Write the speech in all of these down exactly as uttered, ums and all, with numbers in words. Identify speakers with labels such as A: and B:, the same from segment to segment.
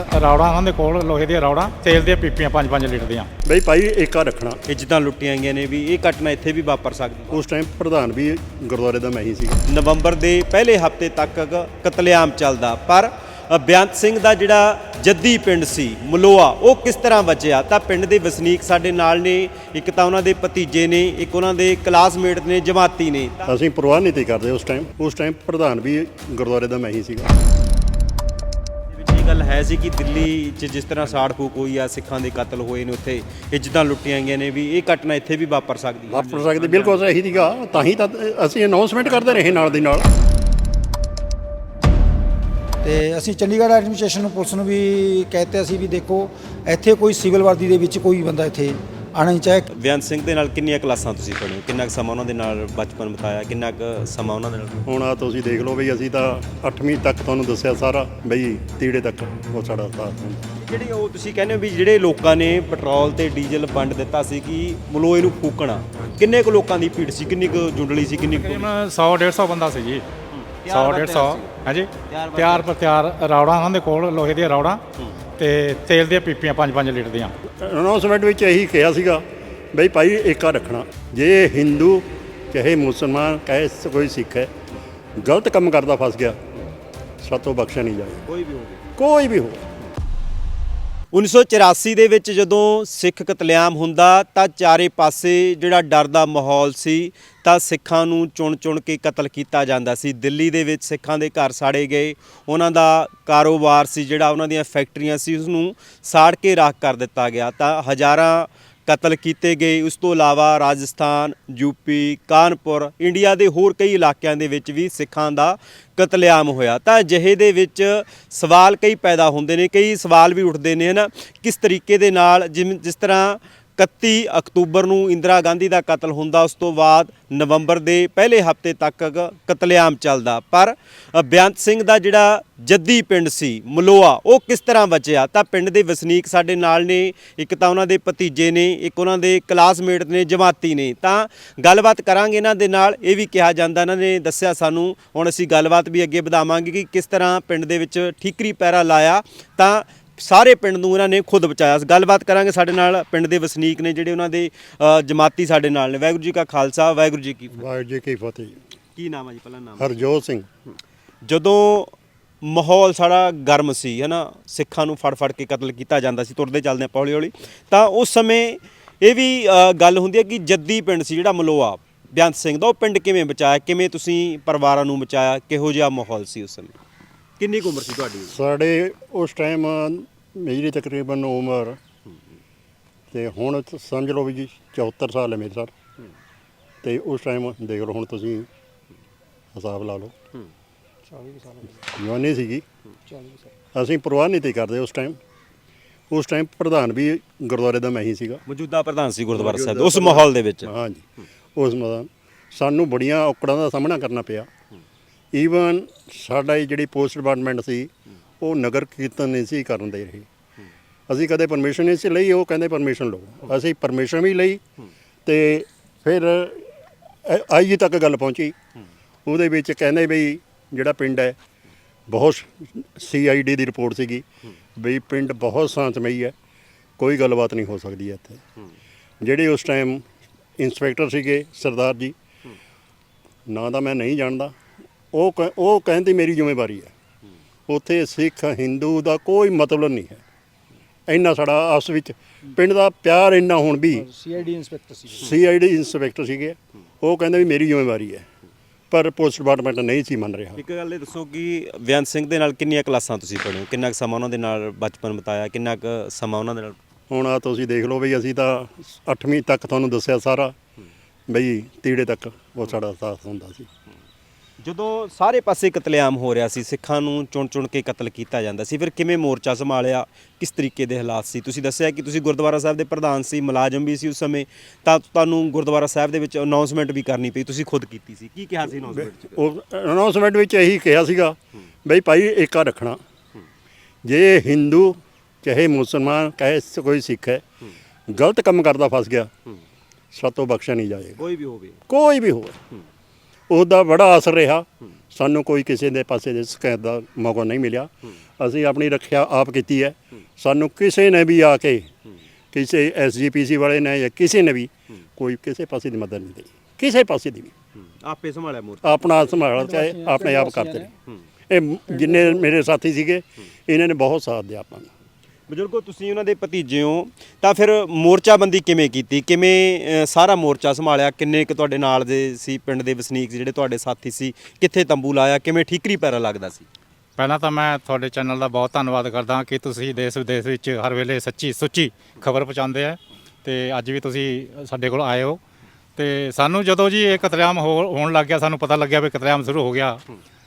A: ਰੌੜਾਂ ਉਹਨਾਂ ਦੇ ਕੋਲ ਲੋਹੇ ਦੀਆਂ ਰੌੜਾਂ, ਤੇਲ ਦੀਆਂ ਪੀਪੀਆਂ ਪੰਜ ਪੰਜ ਲੀਟਰ ਦੀਆਂ।
B: ਬਈ ਭਾਈ ਏਕਾ ਰੱਖਣਾ।
C: ਇੱਜ਼ਤਾਂ ਲੁੱਟੀਆਂ ਗਈਆਂ ਨੇ ਵੀ ਇਹ ਘਟਨਾ ਇੱਥੇ ਵੀ ਵਾਪਰ ਸਕਦੀ।
B: ਉਸ ਟਾਈਮ ਪ੍ਰਧਾਨ ਵੀ ਗੁਰਦੁਆਰੇ ਦਾ ਮੈਂ ਹੀ ਸੀ।
C: ਨਵੰਬਰ ਦੇ ਪਹਿਲੇ ਹਫ਼ਤੇ ਤੱਕ ਕਤਲੇਆਮ ਚੱਲਦਾ, ਪਰ ਬੇਅੰਤ ਸਿੰਘ ਦਾ ਜਿਹੜਾ ਜੱਦੀ ਪਿੰਡ ਸੀ ਮਲੋਆ, ਉਹ ਕਿਸ ਤਰ੍ਹਾਂ ਬਚਿਆ? ਤਾਂ ਪਿੰਡ ਦੇ ਵਸਨੀਕ ਸਾਡੇ ਨਾਲ ਨੇ, ਇੱਕ ਤਾਂ ਉਹਨਾਂ ਦੇ ਭਤੀਜੇ ਨੇ, ਇੱਕ ਉਹਨਾਂ ਦੇ ਕਲਾਸਮੇਟ ਨੇ, ਜਮਾਤੀ ਨੇ।
B: ਅਸੀਂ ਪਰਵਾਹ ਨਹੀਂ ਤੀ ਕਰਦੇ ਉਸ ਟਾਈਮ। ਉਸ ਟਾਈਮ ਪ੍ਰਧਾਨ ਵੀ ਗੁਰਦੁਆਰੇ ਦਾ ਮੈਂ ਹੀ ਸੀਗਾ।
C: ਇਹ ਗੱਲ ਹੈ ਸੀ ਕਿ ਦਿੱਲੀ 'ਚ ਜਿਸ ਤਰ੍ਹਾਂ ਸਾੜ ਫੂਕ ਹੋਈ ਆ, ਸਿੱਖਾਂ ਦੇ ਕਤਲ ਹੋਏ ਨੇ, ਉੱਥੇ ਇੱਜ਼ਤਾਂ ਲੁੱਟੀਆਂ ਗਈਆਂ ਨੇ, ਵੀ ਇਹ ਘਟਨਾ ਇੱਥੇ ਵੀ ਵਾਪਰ ਸਕਦੀ ਹੈ।
B: ਵਾਪਰ ਸਕਦੀ ਬਿਲਕੁਲ ਇਹੀ ਸੀਗਾ, ਤਾਂ ਹੀ ਤਾਂ ਅਸੀਂ ਅਨਾਉਂਸਮੈਂਟ ਕਰਦੇ ਰਹੇ ਨਾਲ ਦੀ ਨਾਲ।
D: ਤੇ ਅਸੀਂ ਚੰਡੀਗੜ੍ਹ ਐਡਮਿਨਿਸਟ੍ਰੇਸ਼ਨ ਨੂੰ, ਪੁਲਿਸ ਨੂੰ ਵੀ ਕਹਿਤੇ ਅਸੀਂ ਵੀ ਦੇਖੋ ਇੱਥੇ ਕੋਈ ਸਿਵਲ ਵਰਦੀ ਦੇ ਵਿੱਚ ਕੋਈ ਬੰਦਾ ਇੱਥੇ ਆਣਾ ਨਹੀਂ ਚਾਹੇ।
C: ਬੇਅੰਤ ਸਿੰਘ ਦੇ ਨਾਲ ਕਿੰਨੀਆਂ ਕਲਾਸਾਂ ਤੁਸੀਂ ਪੜ੍ਹੇ? ਕਿੰਨਾ ਕੁ ਸਮਾਂ ਉਹਨਾਂ ਦੇ ਨਾਲ ਬਚਪਨ ਬਿਤਾਇਆ? ਕਿੰਨਾ ਕੁ ਸਮਾਂ ਉਹਨਾਂ ਦੇ ਨਾਲ?
B: ਹੁਣ ਆ ਤੁਸੀਂ ਦੇਖ ਲਓ ਬਈ, ਅਸੀਂ ਤਾਂ ਅੱਠਵੀਂ ਤੱਕ ਤੁਹਾਨੂੰ ਦੱਸਿਆ ਸਾਰਾ, ਬਈ ਤੀੜੇ ਤੱਕ ਉਹ ਸਾਡਾ ਸਾਥ ਹੁੰਦਾ।
C: ਜਿਹੜੀ ਉਹ ਤੁਸੀਂ ਕਹਿੰਦੇ ਹੋ ਵੀ ਜਿਹੜੇ ਲੋਕਾਂ ਨੇ ਪੈਟਰੋਲ ਤੇ ਡੀਜ਼ਲ ਵੰਡ ਦਿੱਤਾ ਸੀ ਕਿ ਮਲੋਏ ਨੂੰ ਫੂਕਣਾ, ਕਿੰਨੇ ਕੁ ਲੋਕਾਂ ਦੀ ਭੀੜ ਸੀ? ਕਿੰਨੀ ਕੁ ਜੁੰਡਲੀ ਸੀ? ਕਿੰਨੀ ਕੁ?
A: ਸੌ ਡੇਢ ਸੌ ਬੰਦਾ ਸੀ ਜੀ। ਸੌ ਡੇਢ ਸੌ ਹਾਂਜੀ, ਤਿਆਰ ਪਰ ਤਿਆਰ ਰੌੜਾਂ ਉਹਨਾਂ ਦੇ ਕੋਲ ਲੋਹੇ ਦੀਆਂ ਰੌੜਾਂ ਤੇ ਤੇਲ ਦੀਆਂ ਪੀਪੀਆਂ ਪੰਜ ਪੰਜ ਲੀਟਰ ਦੀਆਂ।
B: ਅਨਾਉਂਸਮੈਂਟ ਵਿੱਚ ਇਹੀ ਕਿਹਾ ਸੀਗਾ ਬਈ ਭਾਈ ਏਕਾ ਰੱਖਣਾ। ਜੇ ਹਿੰਦੂ ਚਾਹੇ ਮੁਸਲਮਾਨ ਚਾਹੇ ਕੋਈ ਸਿੱਖ ਹੈ, ਗਲਤ ਕੰਮ ਕਰਦਾ ਫਸ ਗਿਆ, ਸਾਤੋਂ ਬਖਸ਼ਿਆ ਨਹੀਂ ਜਾਏ,
C: ਕੋਈ ਵੀ ਹੋਵੇ,
B: ਕੋਈ ਵੀ ਹੋ।
C: ਉੱਨੀ ਸੌ ਚੁਰਾਸੀ ਦੇ ਵਿੱਚ ਜਦੋਂ ਸਿੱਖ ਕਤਲੇਆਮ ਹੁੰਦਾ ਤਾਂ ਚਾਰੇ ਪਾਸੇ ਜਿਹੜਾ ਡਰ ਦਾ ਮਾਹੌਲ ਸੀ, ਤਾਂ ਸਿੱਖਾਂ ਨੂੰ ਚੁਣ ਚੁਣ ਕੇ ਕਤਲ ਕੀਤਾ ਜਾਂਦਾ ਸੀ। ਦਿੱਲੀ ਦੇ ਵਿੱਚ ਸਿੱਖਾਂ ਦੇ ਘਰ ਸਾੜੇ ਗਏ, ਉਹਨਾਂ ਦਾ ਕਾਰੋਬਾਰ ਸੀ ਜਿਹੜਾ, ਉਹਨਾਂ ਦੀਆਂ ਫੈਕਟਰੀਆਂ ਸੀ, ਉਸ ਨੂੰ ਸਾੜ ਕੇ ਰਾਖ ਕਰ ਦਿੱਤਾ ਗਿਆ। ਤਾਂ ਹਜ਼ਾਰਾਂ ਕਤਲ ਕੀਤੇ ਗਏ। ਉਸ ਤੋਂ ਇਲਾਵਾ ਰਾਜਸਥਾਨ, ਯੂਪੀ, ਕਾਨਪੁਰ, ਇੰਡੀਆ ਦੇ ਹੋਰ ਕਈ ਇਲਾਕਿਆਂ ਦੇ ਵਿੱਚ ਵੀ ਸਿੱਖਾਂ ਦਾ ਕਤਲੇਆਮ ਹੋਇਆ। ਤਾਂ ਅਜਿਹੇ ਦੇ ਵਿੱਚ ਸਵਾਲ ਕਈ ਪੈਦਾ ਹੁੰਦੇ ਨੇ, ਕਈ ਸਵਾਲ ਵੀ ਉੱਠਦੇ ਨੇ, ਹੈ ਨਾ, ਕਿਸ ਤਰੀਕੇ ਦੇ ਨਾਲ, ਜਿਵੇਂ ਜਿਸ ਤਰ੍ਹਾਂ ਇਕੱਤੀ ਅਕਤੂਬਰ ਨੂੰ ਇੰਦਰਾ ਗਾਂਧੀ ਦਾ ਕਤਲ ਹੁੰਦਾ, ਉਸ ਤੋਂ ਬਾਅਦ ਨਵੰਬਰ ਦੇ ਪਹਿਲੇ ਹਫ਼ਤੇ ਤੱਕ ਕਤਲੇਆਮ ਚੱਲਦਾ, ਪਰ ਬੇਅੰਤ ਸਿੰਘ ਦਾ ਜਿਹੜਾ ਜੱਦੀ ਪਿੰਡ ਸੀ ਮਲੋਆ, ਉਹ ਕਿਸ ਤਰ੍ਹਾਂ ਬਚਿਆ? ਤਾਂ ਪਿੰਡ ਦੇ ਵਸਨੀਕ ਸਾਡੇ ਨਾਲ ਨੇ, ਇੱਕ ਤਾਂ ਉਹਨਾਂ ਦੇ ਭਤੀਜੇ ਨੇ, ਇੱਕ ਉਹਨਾਂ ਦੇ ਕਲਾਸਮੇਟ ਨੇ, ਜਮਾਤੀ ਨੇ। ਤਾਂ ਗੱਲਬਾਤ ਕਰਾਂਗੇ ਇਹਨਾਂ ਦੇ ਨਾਲ। ਇਹ ਵੀ ਕਿਹਾ ਜਾਂਦਾ, ਇਹਨਾਂ ਨੇ ਦੱਸਿਆ ਸਾਨੂੰ, ਹੁਣ ਅਸੀਂ ਗੱਲਬਾਤ ਵੀ ਅੱਗੇ ਵਧਾਵਾਂਗੇ ਕਿ ਕਿਸ ਤਰ੍ਹਾਂ ਪਿੰਡ ਦੇ ਵਿੱਚ ਠੀਕਰੀ ਪਹਿਰਾ ਲਾਇਆ ਤਾਂ ਸਾਰੇ ਪਿੰਡ ਨੂੰ ਇਹਨਾਂ ਨੇ ਖੁਦ ਬਚਾਇਆ। ਗੱਲਬਾਤ ਕਰਾਂਗੇ। ਸਾਡੇ ਨਾਲ ਪਿੰਡ ਦੇ ਵਸਨੀਕ ਨੇ ਜਿਹੜੇ, ਉਹਨਾਂ ਦੇ ਜਮਾਤੀ ਸਾਡੇ ਨਾਲ ਨੇ। ਵਾਹਿਗੁਰੂ ਜੀ ਕਾ ਖਾਲਸਾ, ਵਾਹਿਗੁਰੂ ਜੀ ਕੀ ਫਤਿਹ।
B: ਵਾਹਿਗੁਰੂ ਜੀ ਕੀ ਫਤਿਹ।
C: ਕੀ ਨਾਮ ਹੈ ਜੀ? ਪਹਿਲਾਂ ਨਾਮ।
B: ਹਰਜੋਤ ਸਿੰਘ।
C: ਜਦੋਂ ਮਾਹੌਲ ਸਾਡਾ ਗਰਮ ਸੀ, ਹੈ ਨਾ, ਸਿੱਖਾਂ ਨੂੰ ਫੜ ਫੜ ਕੇ ਕਤਲ ਕੀਤਾ ਜਾਂਦਾ ਸੀ, ਤੁਰਦੇ ਚੱਲਦੇ ਆਪਾਂ ਹੌਲੀ ਹੌਲੀ, ਤਾਂ ਉਸ ਸਮੇਂ ਇਹ ਵੀ ਗੱਲ ਹੁੰਦੀ ਹੈ ਕਿ ਜੱਦੀ ਪਿੰਡ ਸੀ ਜਿਹੜਾ ਮਲੋਆ ਬੇਅੰਤ ਸਿੰਘ ਦਾ, ਉਹ ਪਿੰਡ ਕਿਵੇਂ ਬਚਾਇਆ? ਕਿਵੇਂ ਤੁਸੀਂ ਪਰਿਵਾਰਾਂ ਨੂੰ ਬਚਾਇਆ? ਕਿਹੋ ਜਿਹਾ ਮਾਹੌਲ ਸੀ ਉਸ ਸਮੇਂ? ਕਿੰਨੀ ਕੁ ਉਮਰ ਸੀ ਤੁਹਾਡੀ?
B: ਸਾਡੇ ਉਸ ਟਾਈਮ ਮੇਰੀ ਤਕਰੀਬਨ ਉਮਰ, ਤੇ ਹੁਣ ਸਮਝ ਲਓ ਵੀ ਜੀ ਚੌਹੱਤਰ ਸਾਲ ਹੈ ਮੇਰੇ ਸਰ। ਤੇ ਉਸ ਟਾਈਮ ਦੇਖ ਲਓ, ਹੁਣ ਤੁਸੀਂ ਹਿਸਾਬ ਲਾ ਲਓ, ਜਵਾਨੀ ਸੀਗੀ। ਅਸੀਂ ਪਰਵਾਹ ਨਹੀਂ ਤੀ ਕਰਦੇ ਉਸ ਟਾਈਮ। ਉਸ ਟਾਈਮ ਪ੍ਰਧਾਨ ਵੀ ਗੁਰਦੁਆਰੇ ਦਾ ਮੈਂ ਹੀ ਸੀਗਾ।
C: ਮੌਜੂਦਾ ਪ੍ਰਧਾਨ ਸੀ ਗੁਰਦੁਆਰਾ ਸਾਹਿਬ ਦੇ ਉਸ ਮਾਹੌਲ ਦੇ ਵਿੱਚ।
B: ਹਾਂਜੀ, ਉਸ ਮਾਹੌਲ ਸਾਨੂੰ ਬੜੀਆਂ ਔਕੜਾਂ ਦਾ ਸਾਹਮਣਾ ਕਰਨਾ ਪਿਆ। ਈਵਨ ਸਾਡਾ ਜਿਹੜੀ ਪੋਸਟ ਡਿਪਾਰਟਮੈਂਟ ਸੀ, ਉਹ ਨਗਰ ਕੀਰਤਨ ਨਹੀਂ ਸੀ ਕਰਨ ਦੇ ਰਹੇ। ਅਸੀਂ ਕਦੇ ਪਰਮਿਸ਼ਨ ਨਹੀਂ ਸੀ ਲਈ, ਉਹ ਕਹਿੰਦੇ ਪਰਮਿਸ਼ਨ ਲਓ। ਅਸੀਂ ਪਰਮਿਸ਼ਨ ਵੀ ਲਈ, ਤੇ ਫਿਰ ਆਈ ਜੀ ਤੱਕ ਗੱਲ ਪਹੁੰਚੀ। ਉਹਦੇ ਵਿੱਚ ਕਹਿੰਦੇ ਬਈ ਜਿਹੜਾ ਪਿੰਡ ਹੈ, ਬਹੁਤ ਸੀ ਆਈ ਡੀ ਦੀ ਰਿਪੋਰਟ ਸੀਗੀ ਬਈ ਪਿੰਡ ਬਹੁਤ ਸ਼ਾਂਤਮਈ ਹੈ, ਕੋਈ ਗੱਲਬਾਤ ਨਹੀਂ ਹੋ ਸਕਦੀ ਹੈ ਇੱਥੇ। ਜਿਹੜੇ ਉਸ ਟਾਈਮ ਇੰਸਪੈਕਟਰ ਸੀਗੇ ਸਰਦਾਰ ਜੀ, ਨਾਂ ਤਾਂ ਮੈਂ ਨਹੀਂ ਜਾਣਦਾ, ਉਹ ਕ ਉਹ ਕਹਿੰਦੇ ਮੇਰੀ ਜ਼ਿੰਮੇਵਾਰੀ ਹੈ। ਉੱਥੇ ਸਿੱਖ ਹਿੰਦੂ ਦਾ ਕੋਈ ਮਤਲਬ ਨਹੀਂ ਹੈ। ਇੰਨਾ ਸਾਡਾ ਆਪਸ ਵਿੱਚ ਪਿੰਡ ਦਾ ਪਿਆਰ ਇੰਨਾ ਹੁਣ ਵੀ।
D: C I D inspector C
B: C I D inspector ਸੀਗੇ, ਉਹ ਕਹਿੰਦੇ ਵੀ ਮੇਰੀ ਜ਼ਿੰਮੇਵਾਰੀ ਹੈ, ਪਰ ਪੁਲਿਸ ਡਿਪਾਰਟਮੈਂਟ ਨਹੀਂ ਸੀ ਮੰਨ ਰਿਹਾ।
C: ਇੱਕ ਗੱਲ ਇਹ ਦੱਸੋ ਕਿ ਬੇਅੰਤ ਸਿੰਘ ਦੇ ਨਾਲ ਕਿੰਨੀਆਂ ਕਲਾਸਾਂ ਤੁਸੀਂ ਪੜ੍ਹੇ ਹੋ? ਕਿੰਨਾ ਕੁ ਸਮਾਂ ਉਹਨਾਂ ਦੇ ਨਾਲ ਬਚਪਨ ਬਿਤਾਇਆ? ਕਿੰਨਾ ਕੁ ਸਮਾਂ ਉਹਨਾਂ ਦੇ ਨਾਲ?
B: ਹੁਣ ਆ ਤੁਸੀਂ ਦੇਖ ਲਓ ਬਈ, ਅਸੀਂ ਤਾਂ ਅੱਠਵੀਂ ਤੱਕ ਤੁਹਾਨੂੰ ਦੱਸਿਆ ਸਾਰਾ, ਬਈ ਤੀੜੇ ਤੱਕ ਉਹ ਸਾਡਾ ਸਾਥ ਹੁੰਦਾ ਸੀ।
C: ਜਦੋਂ ਸਾਰੇ ਪਾਸੇ ਕਤਲੇਆਮ ਹੋ ਰਿਹਾ ਸੀ, ਸਿੱਖਾਂ ਨੂੰ ਚੁਣ ਚੁਣ ਕੇ ਕਤਲ ਕੀਤਾ ਜਾਂਦਾ ਸੀ, ਫਿਰ ਕਿਵੇਂ ਮੋਰਚਾ ਸੰਭਾਲਿਆ? ਕਿਸ ਤਰੀਕੇ ਦੇ ਹਾਲਾਤ ਸੀ? ਤੁਸੀਂ ਦੱਸਿਆ ਕਿ ਤੁਸੀਂ ਗੁਰਦੁਆਰਾ ਸਾਹਿਬ ਦੇ ਪ੍ਰਧਾਨ ਸੀ, ਮੁਲਾਜ਼ਮ ਵੀ ਸੀ ਉਸ ਸਮੇਂ, ਤਾਂ ਤੁਹਾਨੂੰ ਗੁਰਦੁਆਰਾ ਸਾਹਿਬ ਦੇ ਵਿੱਚ ਅਨਾਉਂਸਮੈਂਟ ਵੀ ਕਰਨੀ ਪਈ, ਤੁਸੀਂ ਖੁਦ ਕੀਤੀ ਸੀ। ਕੀ ਕਿਹਾ ਸੀ ਅਨਾਉਂਸਮੈਂਟ 'ਚ?
B: ਉਹ ਅਨਾਉਂਸਮੈਂਟ ਵਿੱਚ ਇਹੀ ਕਿਹਾ ਸੀਗਾ ਬਈ ਭਾਈ ਏਕਾ ਰੱਖਣਾ। ਜੇ ਹਿੰਦੂ ਚਾਹੇ ਮੁਸਲਮਾਨ ਚਾਹੇ ਕੋਈ ਸਿੱਖ ਹੈ, ਗਲਤ ਕੰਮ ਕਰਦਾ ਫਸ ਗਿਆ, ਸਾਤੋਂ ਬਖਸ਼ਿਆ ਨਹੀਂ ਜਾਏਗਾ,
C: ਕੋਈ ਵੀ ਹੋਵੇ,
B: ਕੋਈ ਵੀ ਹੋਵੇ। ਉਹਦਾ ਬੜਾ ਅਸਰ ਰਿਹਾ ਸਾਨੂੰ, ਕੋਈ ਕਿਸੇ ਦੇ ਪਾਸੇ ਦੇ ਸ਼ਿਕਾਇਤ ਦਾ ਮੌਕਾ ਨਹੀਂ ਮਿਲਿਆ। ਅਸੀਂ ਆਪਣੀ ਰੱਖਿਆ ਆਪ ਕੀਤੀ ਹੈ। ਸਾਨੂੰ ਕਿਸੇ ਨੇ ਵੀ ਆ ਕੇ ਕਿਸੇ ਐਸ ਜੀ ਪੀ ਸੀ ਵਾਲੇ ਨੇ ਜਾਂ ਕਿਸੇ ਨੇ ਵੀ ਕੋਈ ਕਿਸੇ ਪਾਸੇ ਦੀ ਮਦਦ ਨਹੀਂ ਦਿੱਤੀ, ਕਿਸੇ ਪਾਸੇ ਦੀ ਵੀ।
C: ਆਪੇ ਸੰਭਾਲਿਆ ਮੋਰਚਾ,
B: ਆਪਣਾ ਸੰਭਾਲ ਕੇ ਆਪਣੇ ਆਪ ਕਰਦੇ ਨੇ। ਇਹ ਜਿੰਨੇ ਮੇਰੇ ਸਾਥੀ ਸੀਗੇ ਇਹਨਾਂ ਨੇ ਬਹੁਤ ਸਾਥ ਦਿਆ ਆਪਾਂ ਨੂੰ।
C: ਬਜ਼ੁਰਗੋ ਤੁਸੀਂ ਉਹਨਾਂ ਦੇ ਭਤੀਜੇ ਹੋ, ਤਾਂ ਫਿਰ ਮੋਰਚਾਬੰਦੀ ਕਿਵੇਂ ਕੀਤੀ, ਕਿਵੇਂ ਅ, ਸਾਰਾ ਮੋਰਚਾ ਸੰਭਾਲਿਆ? ਕਿੰਨੇ ਕੁ ਤੁਹਾਡੇ ਨਾਲ ਦੇ ਸੀ ਪਿੰਡ ਦੇ ਵਸਨੀਕ ਜਿਹੜੇ ਤੁਹਾਡੇ ਸਾਥੀ ਸੀ? ਕਿੱਥੇ ਤੰਬੂ ਲਾਇਆ? ਕਿਵੇਂ ਠੀਕਰੀ ਪੈਰਾ ਲੱਗਦਾ ਸੀ?
A: ਪਹਿਲਾਂ ਤਾਂ ਮੈਂ ਤੁਹਾਡੇ ਚੈਨਲ ਦਾ ਬਹੁਤ ਧੰਨਵਾਦ ਕਰਦਾ ਕਿ ਤੁਸੀਂ ਦੇਸ਼ ਵਿਦੇਸ਼ ਵਿੱਚ ਹਰ ਵੇਲੇ ਸੱਚੀ ਸੁੱਚੀ ਖਬਰ ਪਹੁੰਚਾਉਂਦੇ ਆ, ਤੇ ਅੱਜ ਵੀ ਤੁਸੀਂ ਸਾਡੇ ਕੋਲ ਆਏ ਹੋ। ਤੇ ਸਾਨੂੰ ਜਦੋਂ ਜੀ ਇਹ ਕਤਲੇਆਮ ਹੋ ਹੋਣ ਲੱਗ ਗਿਆ, ਸਾਨੂੰ ਪਤਾ ਲੱਗਿਆ ਵੀ ਕਤਲੇਆਮ ਸ਼ੁਰੂ ਹੋ ਗਿਆ,